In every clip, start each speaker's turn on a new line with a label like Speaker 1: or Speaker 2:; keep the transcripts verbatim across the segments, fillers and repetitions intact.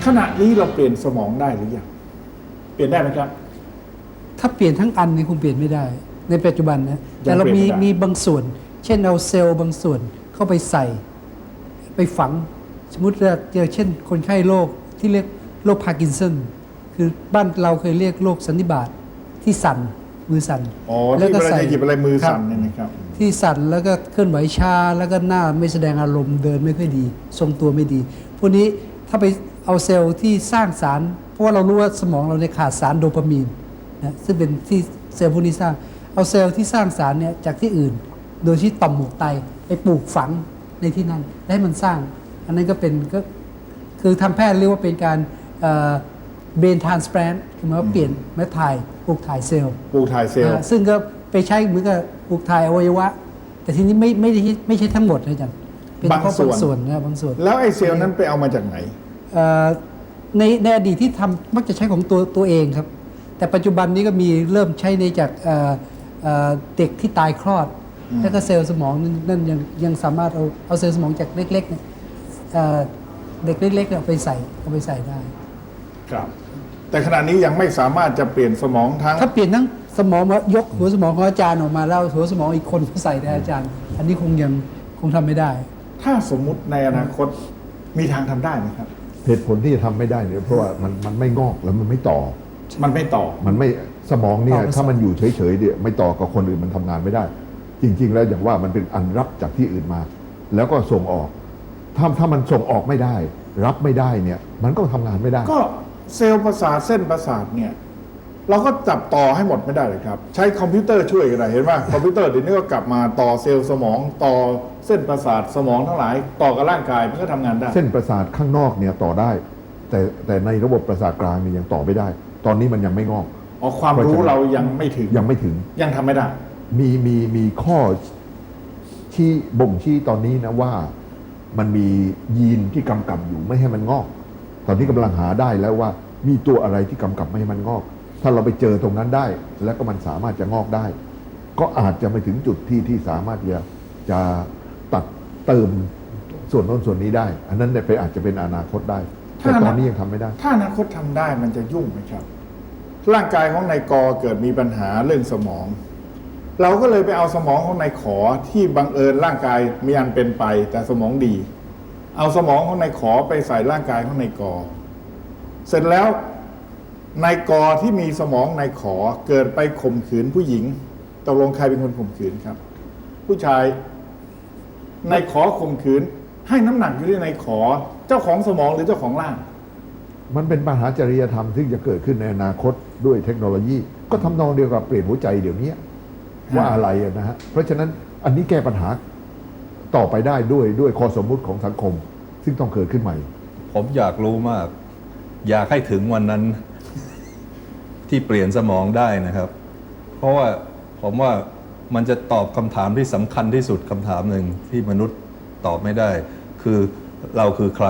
Speaker 1: ขณะนี้เราเปลี่ยนสมองได้หรือยังเปลี่ยนได้ไหมครับ
Speaker 2: ถ้าเปลี่ยนทั้งอันนี่คงเปลี่ยนไม่ได้ในปัจจุบันนะแต่เรามีมีบางส่วนเช่นเอาเซลล์บางส่วนเข้าไปใส่ไปฝังสมมติว่าเจอเช่นคนไข้โรคที่เรียกโรคพาร์กินสันคือบ้านเราเคยเรียกโรคสันนิบาตที่สั่นมือสั่น
Speaker 1: อ๋อที่เวลาจะหยิบอะไรมือสั่นเนี่ยนะครับ
Speaker 2: ที่สั่นแล้วก็เคลื่อนไหวช้าแล้วก็หน้าไม่แสดงอารมณ์เดินไม่ค่อยดีทรงตัวไม่ดีพวกนี้ถ้าไปเอาเซลล์ที่สร้างสารเพราะว่าเรารู้ว่าสมองเราเนี่ยขาดสารโดปามีนนะซึ่งเป็นที่เซลล์พวกนี้สร้างเอาเซลล์ที่สร้างสารเนี่ยจากที่อื่นโดยที่ต่อมหมวกไตไปปลูกฝังในที่นั่นและให้มันสร้างอันนั้นก็เป็นก็คือทางแพทย์เรียกว่าเป็นการเบนทรานสแปรนต์คือหมายว่าเปลี่ยนเม็ดถ่ายปลูกถ่ายเซลล์
Speaker 1: ปลูกถ่ายเซลล์
Speaker 2: ซึ่งก็ไปใช้เหมือนกับปลูกถ่ายอวัยวะแต่ทีนี้ไม่ไม่ได้ไม่ใช่ทั้งหมดนะจ๊ะเป็นบางส่วนนะบางส่วน
Speaker 1: แล้วไอ้เซลล์นั้นไปเอามาจากไหน
Speaker 2: ในในอดีตที่ทำมักจะใช้ของตัวตัวเองครับแต่ปัจจุบันนี้ก็มีเริ่มใช้ในจากเด็กที่ตายคลอดแล้วก็เซลล์สมองนั่นยังยังสามารถเอาเอาเซลล์สมองจากเล็กๆเนี่ยเด็กเล็กๆเอาไปใส่เอาไปใส่ได้
Speaker 1: ครับแต่ขณะนี้ยังไม่สามารถจะเปลี่ยนสมองทั้ง
Speaker 2: ถ้าเปลี่ยนทั้งสมองมายกหัวสมองของอาจารย์ออกมาแล้วหัวสมองอีกคนมาใส่ในอาจารย์อันนี้คงยังคงทำไม่ได้
Speaker 1: ถ้าสมมุติในอนาคตมีทางทำได้ไหมครับ
Speaker 3: เหตุผลที่จะทำไม่ได้เนี่ยเพราะว่ามันมันไม่งอกแล้วมันไม่ต่อ
Speaker 1: มันไม่ต่อ
Speaker 3: มันไม่สมองเนี่ยถ้ามันอยู่เฉยๆเนี่ยไม่ต่อกับคนอื่นมันทำงานไม่ได้จริงๆแล้วอย่างว่ามันเป็นอันรับจากที่อื่นมาแล้วก็ส่งออกถ้าถ้ามันส่งออกไม่ได้รับไม่ได้เนี่ยมันก็ทำงานไม่ได้
Speaker 1: ก็เซลล์ประสาทเส้นประสาทเนี่ยเราก็จับต่อให้หมดไม่ได้เลยครับใช้คอมพิวเตอร์ช่วยกันได้เห็นไหมคอมพิวเตอร์เดี๋ยวนี้ก็กลับมาต่อเซลล์สมองต่อเส้นประสาทสมองทั้งหลายต่อกับร่างกายมันก็ทำงานได้
Speaker 3: เส้นประสาทข้างนอกเนี่ยต่อได้แต่แต่ในระบบประสาทกลางเนี่ยยังต่อไม่ได้ ตอนนี้มันยังไม่งอก
Speaker 1: อ๋อความรู้เรายังไม่ถึง
Speaker 3: ยังไม่ถึง
Speaker 1: ยังทำไม่ได้
Speaker 3: มีมีมีข้อที่บ่งชี้ตอนนี้นะว่ามันมียีนที่กำกับอยู่ไม่ให้มันงอกตอนนี้กำลังหาได้แล้วว่ามีตัวอะไรที่กำกับไม่ให้มันงอกถ้าเราไปเจอตรงนั้นได้แล้วก็มันสามารถจะงอกได้ก็อาจจะไม่ถึงจุดที่ที่สามารถจะจะตัดเติมส่วนโน้นส่วนนี้ได้อันนั้นเนี่ยไปอาจจะเป็นอนาคตได้แต่ตอนนี้ยังทำไม่ได้
Speaker 1: ถ้าอนาคตทำได้มันจะยุ่งไหมครับร่างกายของนายกเกิดมีปัญหาเรื่องสมองเราก็เลยไปเอาสมองของนายขอที่บังเอิญร่างกายมีอันเป็นไปแต่สมองดีเอาสมองของนายขอไปใส่ร่างกายของนายกเสร็จแล้วนายกที่มีสมองนายขอเกิดไปข่มขืนผู้หญิงตกลงใครเป็นคนข่มขืนครับผู้ชายนายขอข่มขืนให้น้ำหนักอยู่ที่นายขอเจ้าของสมองหรือเจ้าของร่าง
Speaker 3: มันเป็นปัญหาจริยธรรมที่จะเกิดขึ้นในอนาคตด้วยเทคโนโลยีก็ทำนองเดียวกับเปลี่ยนหัวใจเดี๋ยวนี้ว่าอะไรนะฮะเพราะฉะนั้นอันนี้แก้ปัญหาต่อไปได้ด้วยด้วยข้อสมมุติของสังคมซึ่งต้องเกิดขึ้นใหม่
Speaker 4: ผมอยากรู้มากอยากให้ถึงวันนั้นที่เปลี่ยนสมองได้นะครับเพราะว่าผมว่ามันจะตอบคำถามที่สำคัญที่สุดคำถามหนึ่งที่มนุษย์ตอบไม่ได้คือเราคือใคร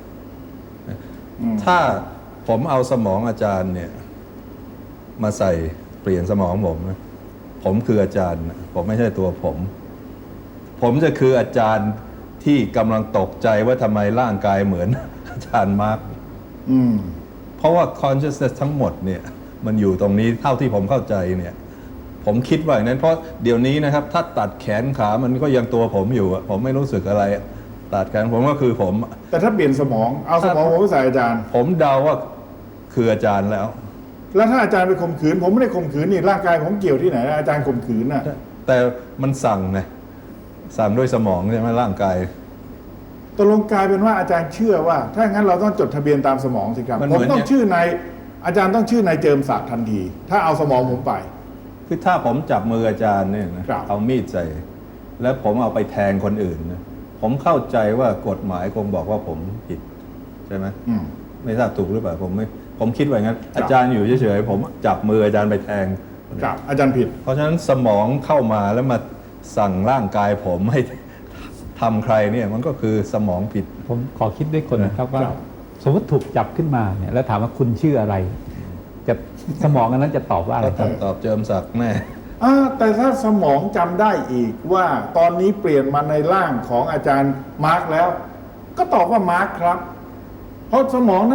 Speaker 4: ถ้าผมเอาสมองอาจารย์เนี่ยมาใส่เปลี่ยนสมองผมนะผมคืออาจารย์ผมไม่ใช่ตัวผมผมจะคืออาจารย์ที่กำลังตกใจว่าทำไมร่างกายเหมือนอาจารย์มาร์คเพราะว่า consciousness ทั้งหมดเนี่ยมันอยู่ตรงนี้เท่าที่ผมเข้าใจเนี่ยผมคิดว่าอย่างนั้นเพราะเดี๋ยวนี้นะครับถ้าตัดแขนขามันก็ยังตัวผมอยู่ผมไม่รู้สึกอะไรตัดแขนผมก็คือผม
Speaker 1: แต่ถ้าเปลี่ยนสมองเอาสมองผมไปใส่อาจารย์
Speaker 4: ผมเดาว่าคืออาจารย์แล้ว
Speaker 1: แล้วถ้าอาจารย์ไปข่มขืนผมไม่ได้ข่มขืนนี่ร่างกายผมเกี่ยวที่ไหนอาจารย์ข่มขืนน่ะ
Speaker 4: แต่มันสั่งไงสั่งด้วยสมองใช่ไหมร่างกาย
Speaker 1: ตกลงกลายเป็นว่าอาจารย์เชื่อว่าถ้างั้นเราต้องจดทะเบียนตามสมองสิครับผมต้องชื่อนายอาจารย์ต้องชื่อนายเจิมศักดิ์ทันทีถ้าเอาสมองผมไป
Speaker 4: คือถ้าผมจับมืออาจารย์เนี่ยนะเอามีดใส่แล้วผมเอาไปแทงคนอื่นนะผมเข้าใจว่ากฎหมายคงบอกว่าผมผิดใช่ไหมไม่ทราบถูกหรือเปล่าผมไม่ผมคิดว่างั้นอาจารย์อยู่เฉยๆผมจับมืออาจารย์ไปแทง
Speaker 1: อาจารย์ผิด
Speaker 4: เพราะฉะนั้นสมองเข้ามาแล้วมาสั่งร่างกายผมให้ทำใครเนี่ยมันก็คือสมองผิด
Speaker 5: ผมขอคิดด้วยคนนะครับว่าสมมติถูกจับขึ้นมาเนี่ยแล้วถามว่าคุณชื่ออะไรจะสมองอันนั้นจะตอบว่าอะไรครับ
Speaker 4: ตอบเจิมศักดิ์แน่
Speaker 1: แต่ถ้าสมองจำได้อีกว่าตอนนี้เปลี่ยนมาในร่างของอาจารย์มาร์คแล้วก็ตอบว่ามาร์คครับเพราะสมองนั้น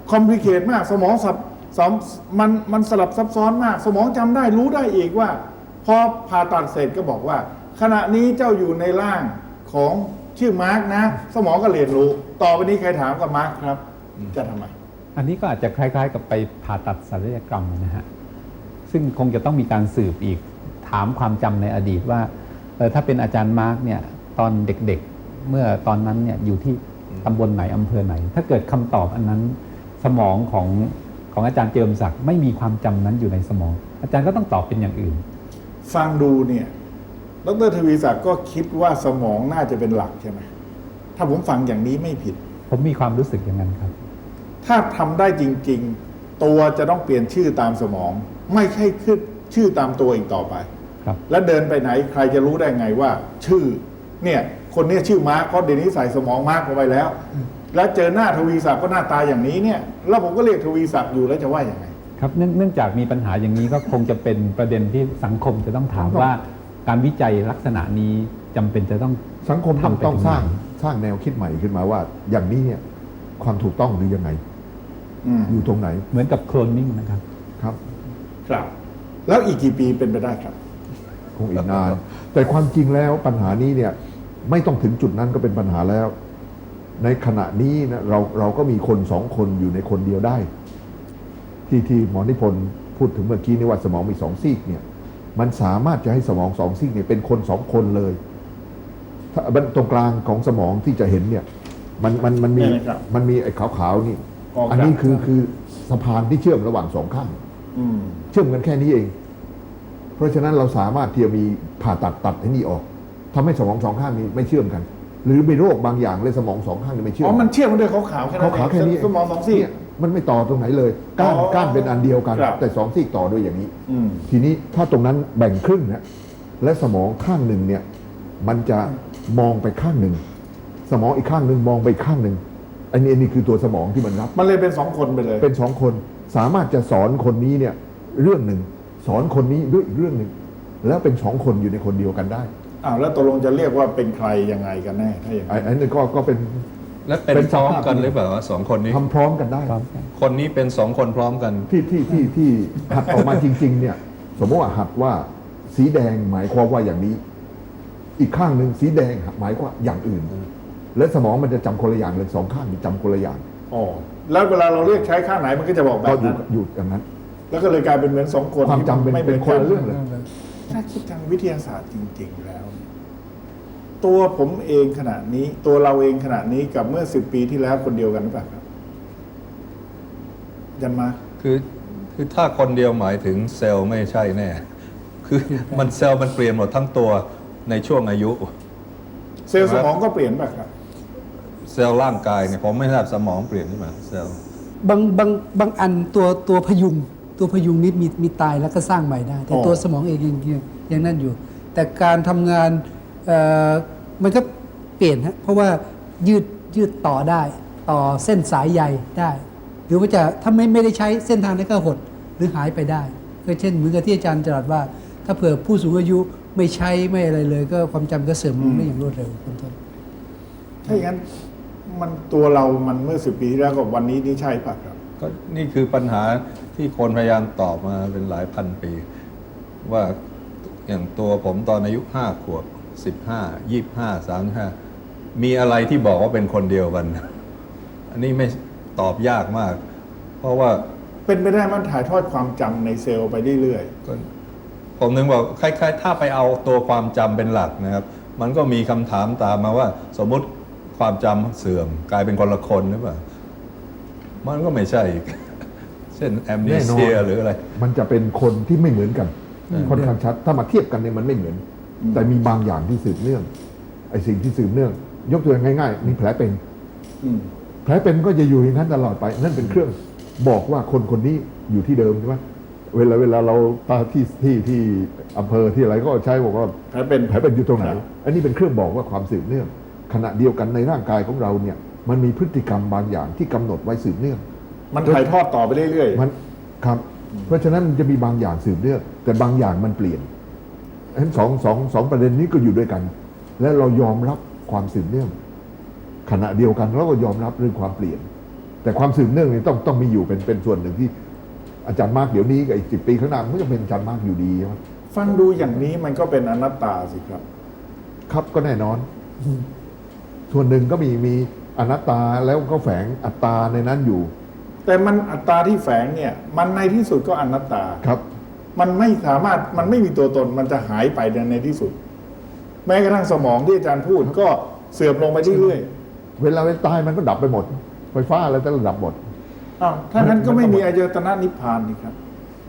Speaker 1: คอมพลีเคทมากสมองสับสมมันมันสลับซับซ้อนมาก สมองจำได้รู้ได้อีกว่าพอผ่าตัดเสร็จก็บอกว่า ขณะนี้เจ้าอยู่ในร่างของชื่อมาร์กนะ สมองก็เรียนรู้ ต่อไปนี้ใครถามกับมาร์กครับ จะทำไม
Speaker 5: อันนี้ก็อาจจะคล้ายๆ กับไปผ่าตัดศัลยกรรมนะฮะซึ่งคงจะต้องมีการสืบอีกถามความจำในอดีตว่าเออถ้าเป็นอาจารย์มาร์กเนี่ยตอนเด็กๆเมื่อตอนนั้นเนี่ยอยู่ที่ตำบลไหนอำเภอไหน ถ้าเกิดคำตอบอันนั้นสมองของของอาจารย์เจิมศักดิ์ไม่มีความจำนั้นอยู่ในสมอง อาจารย์ก็ต้องตอบเป็นอย่างอื่น
Speaker 1: ฟังดูเนี่ยดรทวีศักดิ์ก็คิดว่าสมองน่าจะเป็นหลักใช่ไหมถ้าผมฟังอย่างนี้ไม่ผิด
Speaker 5: ผมมีความรู้สึกอย่างนั้นครับ
Speaker 1: ถ้าทำได้จริงๆ ตัวจะต้องเปลี่ยนชื่อตามสมอง ไม่ใช่ขึ้นชื่อตามตัวอีกต่อไป
Speaker 5: ครับ
Speaker 1: แล้วเดินไปไหนใครจะรู้ได้ไงว่า ชื่อเนี่ยคนเนี้ชื่อมาร์คเพราะเดี๋ยวนี้ใส่สมองมาร์คเข้าไปแล้ว แล้วเจอหน้าทวีศักดิ์ก็หน้าตาอย่างนี้เนี่ยแล้วผมก็เรียกทวีศักดิ์อยู่แล้วจะว่าอย่างไง
Speaker 5: ครับเนื่องเนื่องจากมีปัญหาอย่างนี้ก็คงจะเป็นประเด็นที่สังคมจะต้องถามว่าการวิจัยลักษณะนี้จำเป็นจะต้อง
Speaker 3: สังคมต้อง
Speaker 5: ทำไป
Speaker 3: ต้อง
Speaker 5: ถึ
Speaker 3: สร้าง
Speaker 5: ไหน
Speaker 3: สร้างแนวคิดใหม่ขึ้นมาว่า อย่างนี้เนี่ยความถูกต้องหรือยังไง
Speaker 1: อืม
Speaker 3: อยู่ตรงไหน
Speaker 5: เหมือนกับโคลนนิ่งนะครับ
Speaker 3: ครับ
Speaker 1: ครับ แล้วอีกกี่ปีเป็นไปได้ครับ
Speaker 3: คงอีกนาน แต่ความจริงแล้วปัญหานี้เนี่ยไม่ต้องถึงจุดนั้นก็เป็นปัญหาแล้ว ในขณะนี้นะเราเราก็มีคนสองคนอยู่ในคนเดียวได้ ที่ที่หมอนิพนธ์พูดถึงเมื่อกี้นี่ว่าสมองมีสองซีกเนี่ยมันสามารถจะให้สมองสองซีกเนี่ยเป็นคนสองคนเลยถ้าตรงกลางของสมองที่จะเห็นเนี่ยมันมันมันมี
Speaker 1: เนี่ยนะครับ
Speaker 3: มันมีไอ้ขาวๆนี่
Speaker 1: ออกจาก
Speaker 3: อันนี้คือคือสะพานที่เชื่อมระหว่างสองข้าง
Speaker 1: อืม
Speaker 3: เชื่อมกันแค่นี้เอง เพราะฉะนั้นเราสามารถที่จะมีผ่าตัดตัดไอ้นี่ออกทำให้สมองสองข้างนี้ไม่เชื่อมกัน หรือมีโรคบางอย่างเลยสมองสองข้างนี้ไม่เชื่อ
Speaker 1: อ๋
Speaker 3: ม
Speaker 1: อมันเชื่อมกันด้วยขาวๆแค่นั้น
Speaker 3: ขาวๆแค่นี้
Speaker 1: สมองสองซี่
Speaker 3: เนี่ยมันไม่ต่อตรงไหนเลยก้าน
Speaker 1: อ๋อ
Speaker 3: ก้านเป็นอันเดียวกัน
Speaker 1: ครับ
Speaker 3: แต่สองซี่ต่อด้วยอย่างนี้
Speaker 1: อืม
Speaker 3: ทีนี้ถ้าตรงนั้นแบ่งครึ่งนะและสมองข้างหนึ่งเนี่ยมันจะมองไปข้างหนึ่งสมองอีกข้างหนึ่งมองไปข้างหนึ่งอันนี้อันนี้คือตัวสมองที่มันรับ
Speaker 1: มันเลยเป็นสองคนไปเลย
Speaker 3: เป็นสองคนสามารถจะสอนคนนี้เนี่ยเรื่องหนึ่งสอนคนนี้ด้วยอีกเรื่องหนึ่งแล้วเป็นสองคนอยู่ในคนเดียวกันได้
Speaker 1: อ้าวแล้วตกลงจะเรียกว่าเป็นใครยังไงกันแน่ถ้าอย่าง
Speaker 3: ไอ้
Speaker 1: นั้น
Speaker 3: อันนี้ก็ก็เป็น
Speaker 4: และเป็น
Speaker 3: เป็น
Speaker 4: พร้อม
Speaker 3: สภาพ
Speaker 4: กันหรือเปล่าสองคนนี้
Speaker 3: ทำพร้อมกันได้
Speaker 5: พร้อมกัน
Speaker 4: คนนี้เป็นสองคนพร้อมกัน
Speaker 3: ที่ที่ที่ที่หัดออกมาจริง ๆ เนี่ย สมมติว่าหัดว่าสีแดงหมายความว่าอย่างนี้ อีกข้างหนึ่งสีแดงหมายความว่าอย่างอื่น และสมองมันจะจำคนละอย่างเลยสองข้างจำคนละอย่าง
Speaker 1: อ๋อแล้วเวลาเราเรียกใช้ข้างไหนมันก็จะบอกแบ
Speaker 3: ก็
Speaker 1: บ
Speaker 3: อยู่
Speaker 1: นั้น
Speaker 3: อยู่อย่างนั้น
Speaker 1: แล้วก็เลยกลายเป็นเหมือนสองคน
Speaker 3: ความจำเป็น
Speaker 1: ที่ไม่
Speaker 3: เป็นคนละเรื่องเลย
Speaker 1: ถ้าคิดทางวิทยาศาสตร์จริง ๆ แล้ว ตัวผมเองขณะนี้ ตัวเราเองขณะนี้กับเมื่อสิบปีที่แล้วคนเดียวกันหรือเปล่าครับ ยันมา
Speaker 4: คือคือถ้าคนเดียวหมายถึงเซลล์ไม่ใช่แน่ คือมันเซลล์มันเปลี่ยนหมดทั้งตัวในช่วงอายุ
Speaker 1: เซลล์สมองก็เปลี่ยนป่ะครับ
Speaker 4: เซลล์ร่างกายเนี่ยผมไม่ทราบสมองเปลี่ยนหรือเปล่าเซลล์
Speaker 2: บางบางบางอันตัวตัวพยุงตัวพยุงนิดมีมีตายแล้วก็สร้างใหม่ได้ แต่
Speaker 1: อ๋อ
Speaker 2: ตัวสมองเองยังยังยังนั่นอยู่ แต่การทำงานเอ่อมันก็เปลี่ยนฮะเพราะว่ายืดยืดต่อได้ ต่อเส้นสายใยได้ หรือว่าจะถ้าไม่ไม่ได้ใช้เส้นทางนั้นก็หดหรือหายไปได้ก็เช่นเหมือนกับที่อาจารย์จรัสว่า ถ้าเผื่อผู้สูงอายุไม่ใช้ไม่อะไรเลย ก็ความจำก็เสื่อมลงได้อย่างรวดเร็วเป็นต้น
Speaker 1: ถ้าอย่างนั้นมันตัวเรามันเมื่อสิบปีที่แล้วกับวันนี้นี่ใช่ป่ะครับ
Speaker 4: ก็นี่คือปัญหาที่คนพยายามตอบมาเป็นหลายพันปี ว่าอย่างตัวผมตอนอายุห้าขวบสิบห้ายี่ห้าสามห้ามีอะไรที่บอกว่าเป็นคนเดียวกัน อันนี้ไม่ตอบยากมาก เพราะว่า
Speaker 1: เป็นไปได้มันถ่ายทอดความจำในเซลล์ไปเรื่อย
Speaker 4: ก็ผมนึงบอกคล้ายๆถ้าไปเอาตัวความจำเป็นหลักนะครับ มันก็มีคำถามตามมาว่า สมมุติความจำเสื่อม กลายเป็นคนละคนหรือเปล่ามันก็ไม่ใช่อีก เช่นแอมเน
Speaker 3: แน่นอน
Speaker 4: เซียหรืออะไร
Speaker 3: มันจะเป็นคนที่ไม่เหมือนกันค่อนข้างชัด ถ้ามาเทียบกันเนี่ยมันไม่เหมือน แต่มีบางอย่างที่สืบเนื่องไอ้สิ่งที่สืบเนื่อง ยกตัวอย่างง่ายๆมีแผลเป็น
Speaker 1: ๆอืม
Speaker 3: แผลเป็นก็จะอยู่อย่างนั้นตลอดไป นั่นเป็นเครื่องบอกว่าคนคนนี้อยู่ที่เดิมใช่ไหมเวลาเวลาเราตาที่ที่ที่อำเภอที่อะไรก็ใช้บอกว่า
Speaker 1: แผลเป็น
Speaker 3: แผลเป็นอยู่ตรงไหน
Speaker 1: ครับ
Speaker 3: อันนี้เป็นเครื่องบอกว่าความสืบเนื่อง ขณะเดียวกันในร่างกายของเราเนี่ย มันมีพฤติกรรมบางอย่างที่กำหนดไว้สืบเนื่อง
Speaker 1: มันถ่ายทอดต่อไปเรื่อยๆ
Speaker 3: มันครับ เพราะฉะนั้นมันจะมีบางอย่างสืบเนื่องแต่บางอย่างมันเปลี่ยนฉะนั้นสองสองสองประเด็นนี้ก็อยู่ด้วยกัน และเรายอมรับความสืบเนื่อง ขณะเดียวกันเราก็ยอมรับเรื่องความเปลี่ยนแต่ความสืบเนื่องนี่ต้องต้องมีอยู่เป็นเป็นส่วนหนึ่งที่อาจารย์มากเดี๋ยวนี้กับอีกสิบปีข้างหน้ามันก็จะเป็นอาจารย์มากอยู่ดีใช่ไหม
Speaker 1: ฟังดูอย่างนี้มันก็เป็นอนัตตาสิครับ
Speaker 3: ครับก็แน่นอน ส่วนหนึ่งก็มีมีอนัตตาแล้วก็แฝงอัตตาในนั้นอยู่
Speaker 1: แต่มันอัตตาที่แฝงเนี่ย มันในที่สุดก็อนัตตา
Speaker 3: ครับ
Speaker 1: มันไม่สามารถมันไม่มีตัวตนมันจะหายไปในที่สุด แม้กระทั่งสมองที่อาจารย์พูดก็เสื่อมลงไปเรื่อย
Speaker 3: เวลาเวลาตายมันก็ดับไปหมด ไฟฟ้าอะไรแต่ละดับหมด
Speaker 1: ๆอ้าวถ้างั้นก็ไม่มีอายตนะนิพพานนี่ครับ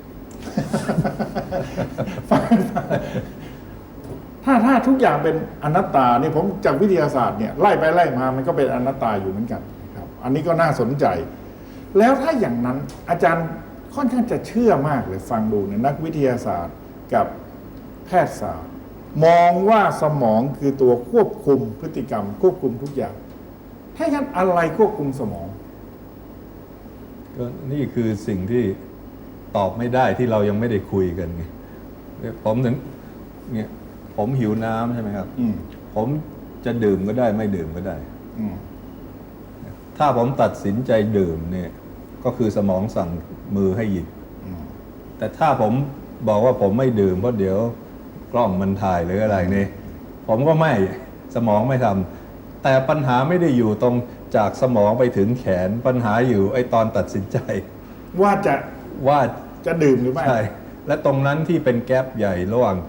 Speaker 1: ถ้าถ้าทุกอย่างเป็นอนัตตาเนี่ยผมจากวิทยาศาสตร์เนี่ยไล่ไปไล่มามันก็เป็นอนัตตาอยู่เหมือนกันครับ อันนี้ก็น่าสนใจ แล้วถ้าอย่างนั้นอาจารย์ค่อนข้างจะเชื่อมากเลยฟังดูเนี่ยนักวิทยาศาสตร์กับแพทยศาสตร์ มองว่าสมองคือตัวควบคุมพฤติกรรม ควบคุมทุกอย่าง ถ้าอย่างนั้นอะไรควบคุมสมอง
Speaker 4: ก็นี่คือสิ่งที่ตอบไม่ได้ที่เรายังไม่ได้คุยกันไงผมถึงเนี่ยผมหิวน้ำใช่ไหมครับ
Speaker 1: อืม
Speaker 4: ผมจะดื่มก็ได้ไม่ดื่มก็ได้
Speaker 1: อืม
Speaker 4: ถ้าผมตัดสินใจดื่มเนี่ยก็คือสมองสั่งมือให้หยิบ
Speaker 1: อืม
Speaker 4: แต่ถ้าผมบอกว่าผมไม่ดื่มเพราะเดี๋ยวกล้องมันถ่ายหรืออะไรนี่ผมก็ไม่สมองไม่ทำแต่ปัญหาไม่ได้อยู่ตรงจากสมองไปถึงแขนปัญหาอยู่ไอ้ตอนตัดสินใจ
Speaker 1: ว่าจะ
Speaker 4: ว่า
Speaker 1: จะดื่มหรือไม่
Speaker 4: ใช่และตรงนั้นที่เป็นแกลบใหญ่ระหว่าง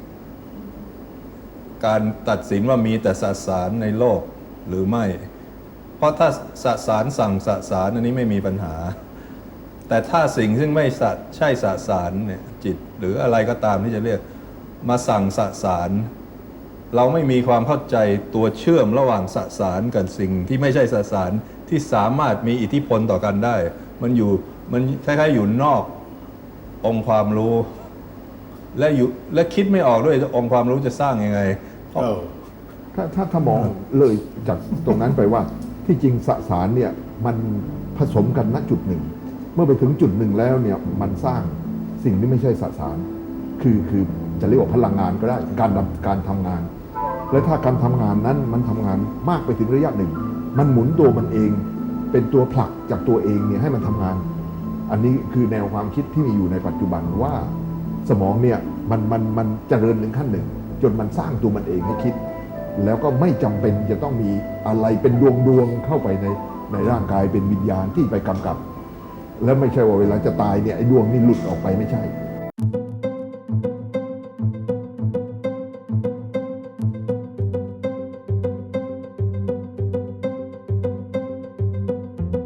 Speaker 4: การตัดสินว่ามีแต่สสารในโลกหรือไม่ เพราะถ้าสสารสั่งสสารอันนี้ไม่มีปัญหา แต่ถ้าสิ่งซึ่งไม่สใช่สสารเนี่ยจิตหรืออะไรก็ตามที่จะเรียกมาสั่งสสาร เราไม่มีความเข้าใจตัวเชื่อมระหว่างสสารกับสิ่งที่ไม่ใช่สสารที่สามารถมีอิทธิพลต่อกันได้ มันอยู่มันคล้ายๆอยู่นอกองค์ความรู้ และอยู่และคิดไม่ออกด้วยองค์ความรู้จะสร้างยังไง
Speaker 1: เออ
Speaker 3: ถ้าถ้าถ้ามองเลยจากตรงนั้นไปว่าที่จริงสสารเนี่ยมันผสมกันณจุดหนึ่ง เมื่อไปถึงจุดหนึ่งแล้วเนี่ยมันสร้างสิ่งที่ไม่ใช่สสาร คือคือจะเรียกว่าพลังงานก็ได้การดำการทำงาน และถ้าการทำงานนั้นมันทำงานมากไปถึงระยะหนึ่ง มันหมุนตัวมันเองเป็นตัวผลักจากตัวเองเนี่ยให้มันทำงาน อันนี้คือแนวความคิดที่มีอยู่ในปัจจุบันว่าสมองเนี่ยมันมันมันเจริญถึงขั้นหนึ่ง จนมันสร้างตัวมันเองให้คิด แล้วก็ไม่จำเป็นจะต้องมีอะไรเป็นดวงดวงๆเข้าไปในในร่างกายเป็นวิญญาณที่ไปกำกับ แล้วไม่ใช่ว่าเวลาจะตายเนี่ยไอ้ดวงนี่หลุดออกไปไม่ใช่